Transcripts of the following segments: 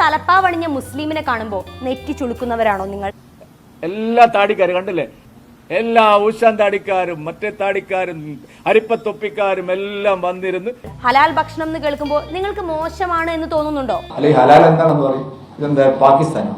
തലപ്പാവണിഞ്ഞ മുസ്ലിമിനെ കാണുമ്പോൾ നെറ്റി ചുളുക്കുന്നവരാണോ നിങ്ങൾ? എല്ലാ താടിക്കാരും കണ്ടില്ലേ, എല്ലാ ഊശാൻ താടിക്കാരും മറ്റേ താടിക്കാരും അരിപ്പത്തൊപ്പിക്കാരും എല്ലാം വന്നിരുന്ന് ഹലാൽ ഭക്ഷണം എന്ന് കേൾക്കുമ്പോൾ നിങ്ങൾക്ക് മോശമാണ് എന്ന് തോന്നുന്നുണ്ടോ? അല്ലെ ഹലാൽ എന്താണെന്ന് പറയും. ഇതെന്താ പാകിസ്ഥാനോ?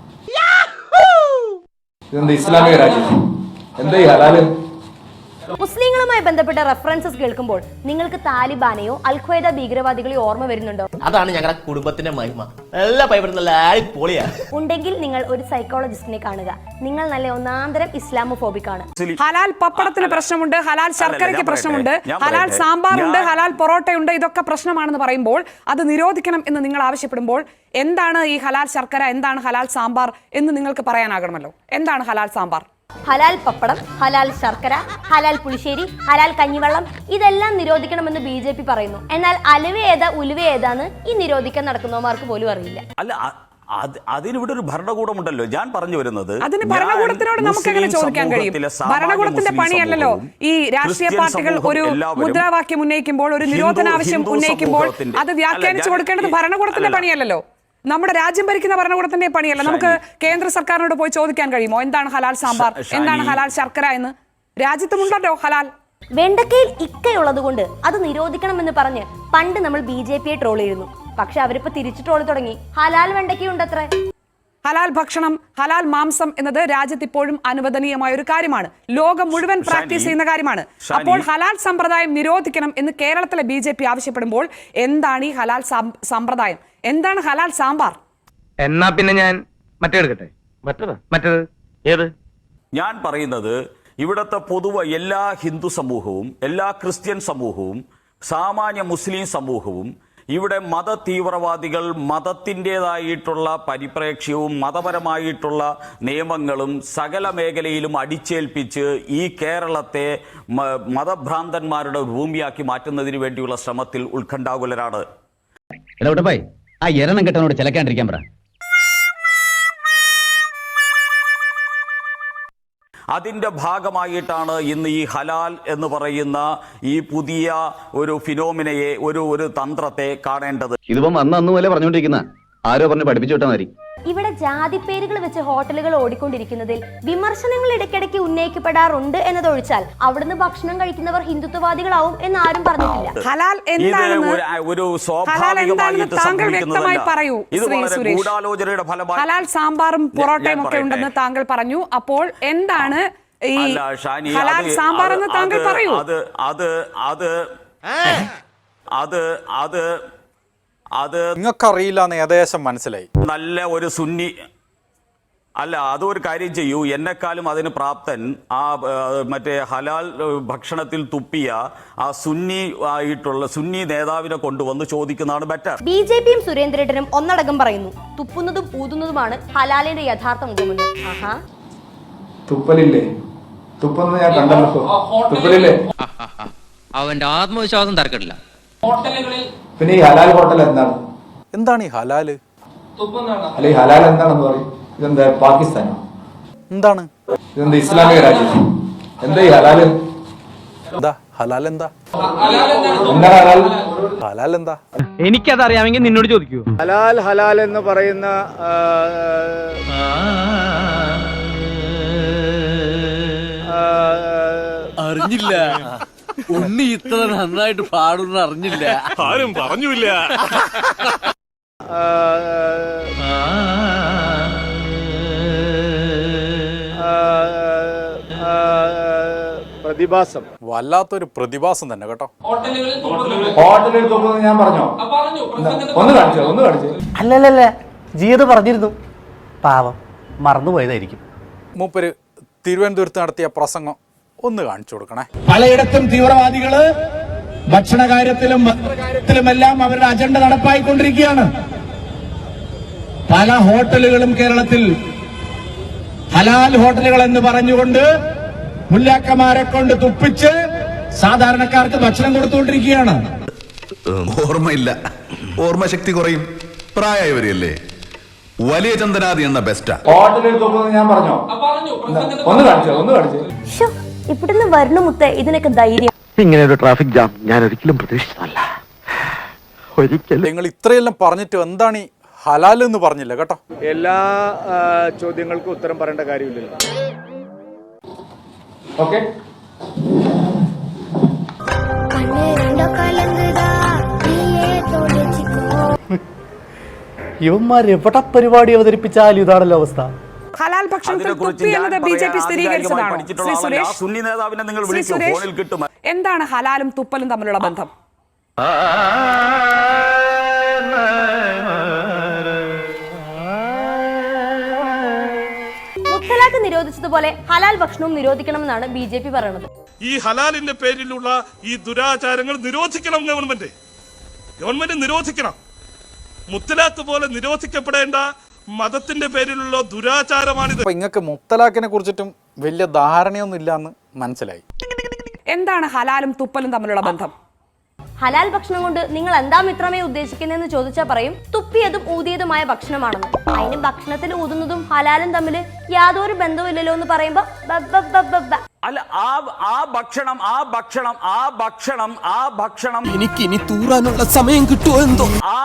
ഇതെന്താ ഇസ്ലാമിക രാജ്യം? എന്താ ഈ ഹലാല്? മുസ്ലിങ്ങളുമായി ബന്ധപ്പെട്ട റെഫറൻസസ് കേൾക്കുമ്പോൾ നിങ്ങൾക്ക് താലിബാനെയോ അൽഖ്വയ്ദ ഭീകരവാദികളെയോ ഓർമ്മ വരുന്നുണ്ടോ? അതാണ് ഞങ്ങളുടെ കുടുംബത്തിന്റെ മഹിമ. എല്ലാ പൈപ്പറും നല്ല അടിപൊളിയാണ്. ഉണ്ടെങ്കിൽ നിങ്ങൾ ഒരു സൈക്കോളജിസ്റ്റിനെ കാണുക. നിങ്ങൾ നല്ല ഒന്നാന്തരം ഇസ്ലാമോഫോബിക് ആണ്. ഹലാൽ പപ്പടത്തിന് പ്രശ്നമുണ്ട്, ഹലാൽ ശർക്കരയ്ക്ക് പ്രശ്നമുണ്ട്, ഹലാൽ സാമ്പാറുണ്ട്, ഹലാൽ പൊറോട്ടയുണ്ട്, ഇതൊക്കെ പ്രശ്നമാണെന്ന് പറയുമ്പോൾ അത് നിരോധിക്കണം എന്ന് നിങ്ങൾ ആവശ്യപ്പെടുമ്പോൾ എന്താണ് ഈ ഹലാൽ ശർക്കര, എന്താണ് ഹലാൽ സാമ്പാർ എന്ന് നിങ്ങൾക്ക് പറയാനാകണമല്ലോ. എന്താണ് ഹലാൽ സാമ്പാർ? ഹലാൽ പപ്പടം, ഹലാൽ ശർക്കര, ഹലാൽ പുളിശ്ശേരി, ഹലാൽ കഞ്ഞിവെള്ളം ഇതെല്ലാം നിരോധിക്കണമെന്ന് BJP പറയുന്നു. എന്നാൽ അലുവ ഏതാ ഉലുവ ഏതാന്ന് ഈ നിരോധിക്കാൻ നടക്കുന്നവർക്ക് പോലും അറിയില്ല. അല്ല, അതിനിവിടെ ഒരു ഭരണകൂടമുണ്ടല്ലോ. ഞാൻ പറഞ്ഞു വരുന്നത് അതിന് ഭരണകൂടത്തിനോട് നമുക്ക് എങ്ങനെ ചോദിക്കാൻ കഴിയും? ഭരണകൂടത്തിന്റെ പണിയല്ലല്ലോ ഈ രാഷ്ട്രീയ പാർട്ടികൾ ഒരു മുദ്രാവാക്യം ഉന്നയിക്കുമ്പോൾ, ഒരു നിരോധനാവശ്യം ഉന്നയിക്കുമ്പോൾ അത് വ്യാഖ്യാനിച്ചു കൊടുക്കേണ്ടത് ഭരണകൂടത്തിന്റെ പണിയല്ലല്ലോ. നമ്മുടെ രാജ്യം ഭരിക്കുന്ന ഭരണകൂടത്തിന്റെ പണിയല്ല. നമുക്ക് കേന്ദ്ര സർക്കാരിനോട് പോയി ചോദിക്കാൻ കഴിയുമോ എന്താണ് ഹലാൽ സാമ്പാർ, എന്താണ് ഹലാൽ ശർക്കര എന്ന്? രാജ്യത്തുമുണ്ടല്ലോ ഹലാൽ. വെണ്ടക്കയിൽ ഇക്കയുള്ളത് കൊണ്ട് അത് നിരോധിക്കണമെന്ന് പറഞ്ഞ് പണ്ട് നമ്മൾ BJPയെ ട്രോൾ ചെയ്യുന്നു. പക്ഷെ അവരിപ്പോ തിരിച്ചു ട്രോൾ തുടങ്ങി. ഹലാൽ വെണ്ടക്കയുണ്ടത്രേ. ഹലാൽ ഭക്ഷണം, ഹലാൽ മാംസം എന്നത് രാജ്യത്ത് ഇപ്പോഴും അനുവദനീയമായ ഒരു കാര്യമാണ്. ലോകം മുഴുവൻ പ്രാക്ടീസ് ചെയ്യുന്ന കാര്യമാണ്. അപ്പോൾ ഹലാൽ സമ്പ്രദായം നിരോധിക്കണം എന്ന് കേരളത്തിലെ BJP ആവശ്യപ്പെടുമ്പോൾ എന്താണ് ഈ ഹലാൽ സമ്പ്രദായം? എന്താണ് ഹലാൽ സാമ്പാർ? എന്നാ പിന്നെ ഞാൻ മറ്റേത് ഏത്? ഞാൻ പറയുന്നത് ഇവിടുത്തെ പൊതുവെ എല്ലാ ഹിന്ദു സമൂഹവും, എല്ലാ ക്രിസ്ത്യൻ സമൂഹവും, സാമാന്യ മുസ്ലിം സമൂഹവും, ഇവിടെ മത തീവ്രവാദികൾ മതത്തിൻ്റെതായിട്ടുള്ള പരിപ്രേക്ഷ്യവും മതപരമായിട്ടുള്ള നിയമങ്ങളും സകല മേഖലയിലും അടിച്ചേൽപ്പിച്ച് ഈ കേരളത്തെ മതഭ്രാന്തന്മാരുടെ ഭൂമിയാക്കി മാറ്റുന്നതിന് വേണ്ടിയുള്ള ശ്രമത്തിൽ ഉത്കണ്ഠാകുലരാണ്. ആ എരണം കെട്ടനോട് ചിലക്കാണ്ടിരിക്കാൻ പറ. അതിൻ്റെ ഭാഗമായിട്ടാണ് ഇന്ന് ഈ ഹലാൽ എന്ന് പറയുന്ന ഈ പുതിയ ഒരു ഫിനോമിനയെ, ഒരു തന്ത്രത്തെ കാണേണ്ടത്. ഇതിപ്പം അന്ന് പോലെ പറഞ്ഞുകൊണ്ടിരിക്കുന്ന ആരോ പറഞ്ഞ് പഠിപ്പിച്ചു വിട്ടാൽ മതി. ഇവിടെ ജാതി പേരുകൾ വെച്ച് ഹോട്ടലുകൾ ഓടിക്കൊണ്ടിരിക്കുന്നതിൽ വിമർശനങ്ങൾ ഇടയ്ക്കിടയ്ക്ക് ഉന്നയിക്കപ്പെടാറുണ്ട് എന്നതൊഴിച്ചാൽ അവിടുന്ന് ഭക്ഷണം കഴിക്കുന്നവർ ഹിന്ദുത്വവാദികളാവും എന്ന് ആരും പറഞ്ഞിട്ടില്ല. ഹലാൽ ഒരു സ്വാഭാവികമായിട്ട് ഗൂഢാലോചനയുടെ ഫലമായി ഹലാൽ സാമ്പാറും പൊറോട്ടയും ഒക്കെ ഉണ്ടെന്ന് താങ്കൾ പറഞ്ഞു. അപ്പോൾ എന്താണ് ഈ ഹലാൽ സാമ്പാർ എന്ന് താങ്കൾ പറയൂ. അത് നിങ്ങൾക്കറിയില്ല എന്ന് ഏകദേശം മനസ്സിലായി. നല്ല ഒരു സുന്നി അല്ല, അതൊരു കാര്യം ചെയ്യൂ, എന്നെക്കാളും അതിന് പ്രാപ്തൻ ആ മറ്റേ ഹലാൽ ഭക്ഷണത്തിൽ തുപ്പിയ ആ സുന്നി നേതാവിനെ കൊണ്ടുവന്ന് ചോദിക്കുന്നതാണ് ബെറ്റർ. BJPയും സുരേന്ദ്രേട്ടനും ഒന്നടങ്കം പറയുന്നു തുപ്പുന്നതും ഊതുന്നതുമാണ് ഹലാലിന്റെ യഥാർത്ഥ മുഖമെന്ന്. തുപ്പലില്ലേ? തുപ്പുന്നത് ഞാൻ കണ്ടല്ലോ. തുപ്പലില്ലേ? അവന്റെ ആത്മവിശ്വാസം തർക്കമില്ല. പിന്നെ ഈ ഹലാൽ ഹോട്ടൽ എന്താണ് ഈ ഹലാല്? അല്ലെ ഈ ഹലാൽ എന്താണെന്ന് പറയും. ഇതെന്താ പാകിസ്ഥാനോ? എന്താണ്? ഇതെന്താ ഇസ്ലാമിക രാജ്യം? എന്താ ഈ ഹലാല്? എന്താ ഹലാൽ? എന്താ ഹലാൽ? ഹലാൽ എന്താ? എനിക്കതറിയാമെങ്കിൽ നിന്നോട് ചോദിക്കൂ. ഹലാൽ എന്ന് പറയുന്ന അറിഞ്ഞില്ല. ഉണ്ണി ഇത്ര നന്നായിട്ട് പാടുന്ന അറിഞ്ഞില്ല. ആരും പറഞ്ഞില്ല. പ്രതിഭാസം, വല്ലാത്തൊരു പ്രതിഭാസം തന്നെ കേട്ടോ. ഹോട്ടലിൽ തുപ്പുന്നത് ഞാൻ പറഞ്ഞോ? ഒന്ന് കാണിച്ചു. അല്ലല്ല, ജീത് പറഞ്ഞിരുന്നു. പാവം മറന്നുപോയതായിരിക്കും. മൂപ്പര് തിരുവനന്തപുരത്ത് നടത്തിയ പ്രസംഗം ഒന്ന് കാണിച്ചു കൊടുക്കണേ. പലയിടത്തും തീവ്രവാദികള് ഭക്ഷണ കാര്യത്തിലുമെല്ലാം അവരുടെ അജണ്ട നടപ്പായിക്കൊണ്ടിരിക്കുകയാണ്. പല ഹോട്ടലുകളും കേരളത്തിൽ ഹലാൽ ഹോട്ടലുകൾ എന്ന് പറഞ്ഞുകൊണ്ട് മുല്ലാക്കന്മാരെ കൊണ്ട് തുപ്പിച്ച് സാധാരണക്കാർക്ക് ഭക്ഷണം കൊടുത്തുകൊണ്ടിരിക്കുകയാണ്. ഓർമ്മയില്ല, ഓർമ്മശക്തി കുറയും, പ്രായമായവരല്ലേ. വലിയ ചന്ദനാദി എന്ന ബെസ്റ്റാ. ഹോട്ടലിൽ തുപ്പുന്നത് ഞാൻ പറഞ്ഞോ? ഒന്ന് കാണിച്ചു. ഇവിടുന്ന് വരണ മുത്തേ, ഇതിനൊക്കെ ധൈര്യം. ഇങ്ങനെ ഒരു ട്രാഫിക് ജാം ഞാൻ ഒരിക്കലും പ്രതീക്ഷിച്ചതല്ല. നിങ്ങൾ ഇത്രയെല്ലാം പറഞ്ഞിട്ട് എന്താണ് ഈ ഹലാൽ എന്ന് പറഞ്ഞില്ല കേട്ടോ. എല്ലാ ചോദ്യങ്ങൾക്കും ഉത്തരം പറയേണ്ട കാര്യമില്ലല്ലോ. ഓക്കെ, ഇവന്മാർ എവിടെ പരിപാടി അവതരിപ്പിച്ചാലും ഇതാണല്ലോ അവസ്ഥ. ഹലാൽ ഭക്ഷണത്തിൽ തുപ്പി എന്നത് ബി.ജെ.പി. സ്ഥിരീകരിച്ചതാണോ? ശ്രീ സുരേഷ്, സുന്നി നേതാവിനെ നിങ്ങൾ ശ്രീ വിളിക്കൂ, സുരേഷ്, ഫോണിൽ കിട്ടും. എന്താണ് ഹലാലും തുപ്പലും തമ്മിലുള്ള ബന്ധം? മുത്തലാഖ് നിരോധിച്ചതുപോലെ ഹലാൽ ഭക്ഷണവും നിരോധിക്കണമെന്നാണ് ബി.ജെ.പി. പറയുന്നത്. ഈ ഹലാലിന്റെ പേരിലുള്ള ഈ ദുരാചാരങ്ങൾ നിരോധിക്കണം. ഗവൺമെന്റ് നിരോധിക്കണം. മുത്തലാഖ് പോലെ നിരോധിക്കപ്പെടേണ്ട മതത്തിന്റെ പേരിലുള്ള ദുരാചാരമാണിത്. ഇങ്ങക്ക് മുത്തലാഖിനെ കുറിച്ചിട്ടും വലിയ ധാരണയൊന്നും ഇല്ലാന്ന് മനസ്സിലായി. എന്താണ് ഹലാലും തുപ്പലും തമ്മിലുള്ള ബന്ധം? ഹലാൽ ഭക്ഷണം കൊണ്ട് നിങ്ങൾ എന്താ മിത്രമേ ഉദ്ദേശിക്കുന്നതെന്ന് ചോദിച്ചാൽ പറയും തുപ്പിയതും ഊതിയതുമായ ഭക്ഷണമാണെന്ന്. അതിന് ഭക്ഷണത്തിൽ ഊതുന്നതും ഹലാലും തമ്മിൽ യാതൊരു ബന്ധവുമില്ലല്ലോ എന്ന് പറയുമ്പോ അല്ല, ആ ഭക്ഷണം എനിക്ക് ഇനി തൂറാനുള്ള സമയം കിട്ടുമോ എന്തോ.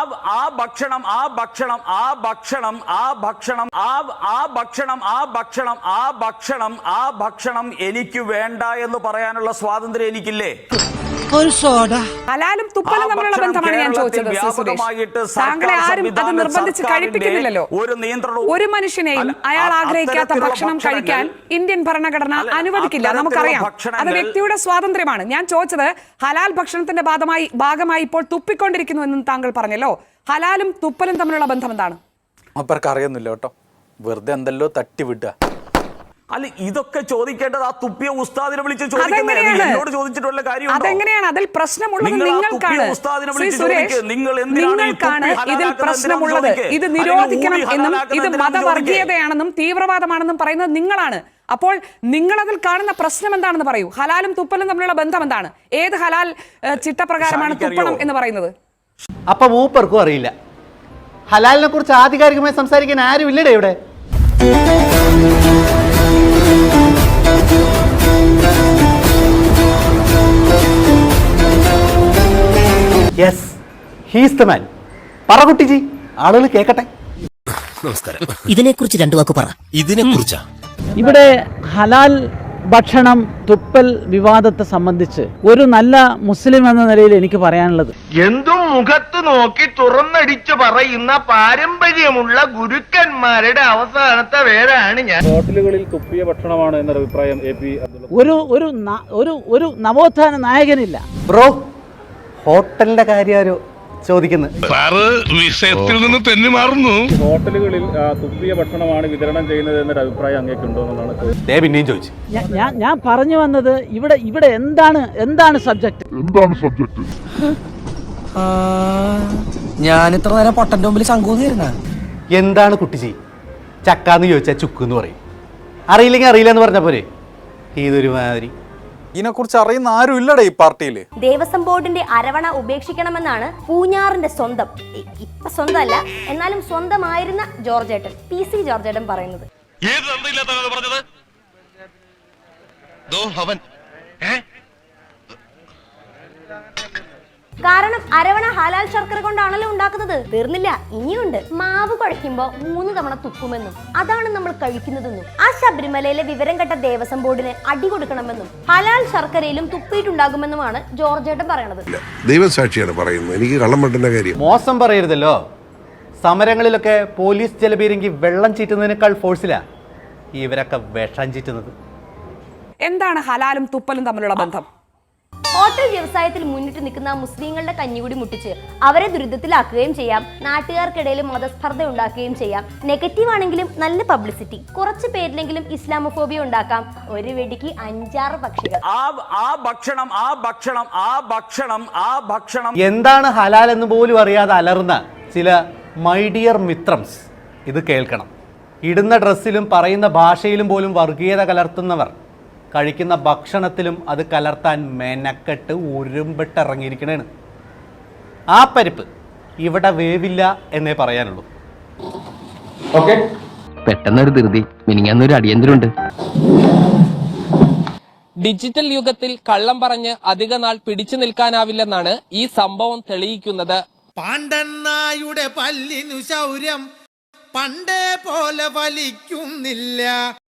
എനിക്ക് വേണ്ട എന്ന് പറയാനുള്ള സ്വാതന്ത്ര്യം എനിക്കില്ലേ? ഹലാലും തുപ്പലും തമ്മിലുള്ള ബന്ധമാണ് ഞാൻ ചോദിച്ചത്. ശ്രീ സുരേഷ്, താങ്കളെ ആരും അത് നിർബന്ധിച്ച് കഴിപ്പിക്കുന്നില്ലല്ലോ. ഒരു മനുഷ്യനെയും അയാൾ ആഗ്രഹിക്കാത്ത ഭക്ഷണം കഴിക്കാൻ ഇന്ത്യൻ ഭരണഘടന അനുവദിക്കില്ല, നമുക്കറിയാം. അത് വ്യക്തിയുടെ സ്വാതന്ത്ര്യമാണ്. ഞാൻ ചോദിച്ചത് ഹലാൽ ഭക്ഷണത്തിന്റെ ഭാഗമായി ഇപ്പോൾ തുപ്പിക്കൊണ്ടിരിക്കുന്നു എന്നും താങ്കൾ പറഞ്ഞല്ലോ. ഹലാലും തുപ്പലും തമ്മിലുള്ള ബന്ധം എന്താണ്? അവർക്ക് അറിയുന്നില്ല കേട്ടോ, വെറുതെ എന്തല്ലോ തട്ടിവിടുക. അല്ല, ഇതൊക്കെ ചോദിക്കേണ്ടത് ആ തുപ്പിയ ഉസ്താദിനെ വിളിച്ച് ചോദിക്കുന്നോട് ചോദിച്ചിട്ടുള്ള കാര്യം. അതെങ്ങനെയാണ്? അതിൽ പ്രശ്നമുള്ളത് നിങ്ങൾക്കാണ്. ശ്രീ സുരേഷ്, നിങ്ങൾക്കാണ് ഇതിൽ പ്രശ്നമുള്ളത്. ഇത് നിരോധിക്കണം എന്നും ഇത് മതവർഗീയതയാണെന്നും തീവ്രവാദമാണെന്നും പറയുന്നത് നിങ്ങളാണ്. അപ്പോൾ നിങ്ങൾ അതിൽ കാണുന്ന പ്രശ്നം എന്താണെന്ന് പറയൂ. ഹലാലും തുപ്പലും തമ്മിലുള്ള ബന്ധം എന്താണ്? ഏത് ഹലാൽ ചിട്ടപ്രകാരമാണ് തുപ്പണം എന്ന് പറയുന്നത്? അപ്പൊ മൂപ്പർക്കും അറിയില്ല. ഹലാലിനെ കുറിച്ച് ആധികാരികമായി സംസാരിക്കാൻ ആരും ഇല്ലടേ ഇവിടെ. Yes, he's the man. പറ കുട്ടിജി, ആളുകൾ കേക്കട്ടെ. നമസ്കാരം. ഇതിനെക്കുറിച്ച് രണ്ടു വാക്ക് പറ. ഇതിനെക്കുറിച്ചാ ഇവിടെ ഹലാൽ ഭക്ഷണം തുപ്പൽ വിവാദത്തെ സംബന്ധിച്ച് ഒരു നല്ല മുസ്ലിം എന്ന നിലയിൽ എനിക്ക് പറയാനുള്ളത്, എന്തും മുഖത്ത് നോക്കി തുറന്നടിച്ചു പറയുന്ന പാരമ്പര്യമുള്ള ഗുരുക്കന്മാരുടെ അവസാനത്തെ പേരാണ് ഞാൻ. ഹോട്ടലുകളിൽ തുപ്പിയ ഭക്ഷണമാണ് എന്നൊരു അഭിപ്രായം ഒരു നവോത്ഥാന നായകനില്ല. ബ്രോ, ഹോട്ടലിന്റെ കാര്യം ചോദിക്കുന്നത്. വിഷയത്തിൽ നിന്ന് തെന്നി മാറുന്നു. ഹോട്ടലുകളിൽ തുപ്പിയ ഭക്ഷണമാണ് വിതരണം ചെയ്യുന്നത് എന്നൊരു അഭിപ്രായം അങ്ങേക്കുണ്ടോ എന്നുള്ളതാണ്. പിന്നെയും ചോദിച്ചു. ഞാൻ പറഞ്ഞു വന്നത് ഇവിടെ എന്താണ് സബ്ജക്ട്? ഞാൻ ഇത്ര നേരം പൊട്ടന്റെ മുമ്പിൽ ശങ്കൂന്നിരുന്ന. എന്താണ് കുട്ടിജി? ചക്കാന്ന് ചോദിച്ചാൽ ചുക്കെന്ന് പറയും. അറിയില്ലെങ്കിൽ അറിയില്ല എന്ന് പറഞ്ഞ പോരെ. ഇതൊരു മാതിരി. ഇതിനെക്കുറിച്ച് അറിയുന്ന ആരും ഇല്ലടേ ഈ പാർട്ടിയിൽ. ദേവസ്വം ബോർഡിന്റെ അരവണ ഉപേക്ഷിക്കണമെന്നാണ് പൂഞ്ഞാറിന്റെ സ്വന്തം, ഇപ്പൊ സ്വന്തമല്ല എന്നാലും സ്വന്തമായിരുന്ന ജോർജേട്ടൻ, PC ജോർജേട്ടൻ പറയുന്നത്. കാരണം അരവണ ഹലാൽ ശർക്കര കൊണ്ടാണല്ലോ ഉണ്ടാക്കുന്നത്. തീർന്നില്ല, ഇനിയുണ്ട്. മാവ് കുഴയ്ക്കുമ്പോ 3 തവണ തുപ്പുമെന്നും അതാണ് നമ്മൾ കഴിക്കുന്നതെന്നും ആ ശബരിമലയിലെ വിവരം കെട്ട ദേവസ്വം ബോർഡിന് അടി കൊടുക്കണമെന്നും ഹലാൽ ശർക്കരയിലും തുപ്പിയിട്ടുണ്ടാകുമെന്നുമാണ് ജോർജേട്ടൻ പറയണത്. ദൈവസാക്ഷിയാണ് പറയുന്നത്, എനിക്ക് കള്ളം പറ്റുന്ന കാര്യം. മോശം പറയരുതല്ലോ. സമരങ്ങളിലൊക്കെ പോലീസ് ജലപീരങ്കി വെള്ളം ചീറ്റുന്നതിനേക്കാൾ ഫോഴ്സിലാ ഇവരൊക്കെ വിഷം ചീറ്റുന്നത്. എന്താണ് ഹലാലും തുപ്പലും തമ്മിലുള്ള ബന്ധം? ഹോട്ടൽ വ്യവസായത്തിൽ മുന്നിട്ട് നിൽക്കുന്ന മുസ്ലിങ്ങളുടെ കഞ്ഞികൂടി മുട്ടിച്ച് അവരെ ദുരിതത്തിലാക്കുകയും ചെയ്യാം, നാട്ടുകാർക്കിടയിൽ മതസ്പർദ്ധ ഉണ്ടാക്കുകയും ചെയ്യാം. നെഗറ്റീവ് ആണെങ്കിലും നല്ല പബ്ലിസിറ്റി, കുറച്ച് പേരിലെങ്കിലും ഇസ്ലാമോഫോബിയ ഉണ്ടാക്കാം. ഒരു വെടിക്ക് 5-6 പക്ഷികൾ. എന്താണ് ഹലാൽ എന്ന് പോലും അറിയാതെ അലർന്ന ചില മൈ ഡിയർ മിത്രംസ് ഇത് കേൾക്കണം. ഇടുന്ന ഡ്രസ്സിലും പറയുന്ന ഭാഷയിലും പോലും വർഗീയത കലർത്തുന്നവർ കഴിക്കുന്ന ഭക്ഷണത്തിലും അത് കലർത്താൻ മെനക്കെട്ട് ഉരുമ്പിട്ടിറങ്ങിയിരിക്കണേണ്. ആ പരിപ്പ് ഇവിടെ വേവില്ല എന്നേ പറയാനുള്ളൂ. ഓക്കെ, പെട്ടെന്നൊരു ധൃതി, മിനിങ്ങാന്നൊരു അടിയന്തരമുണ്ട്. ഡിജിറ്റൽ യുഗത്തിൽ കള്ളം പറഞ്ഞ് അധിക നാൾ പിടിച്ചു നിൽക്കാനാവില്ലെന്നാണ് ഈ സംഭവം തെളിയിക്കുന്നത്. പാണ്ഡന്നായുടെ പല്ലിനു ശൗര്യം പണ്ടേ പോലെ വലിക്കുന്നില്ല.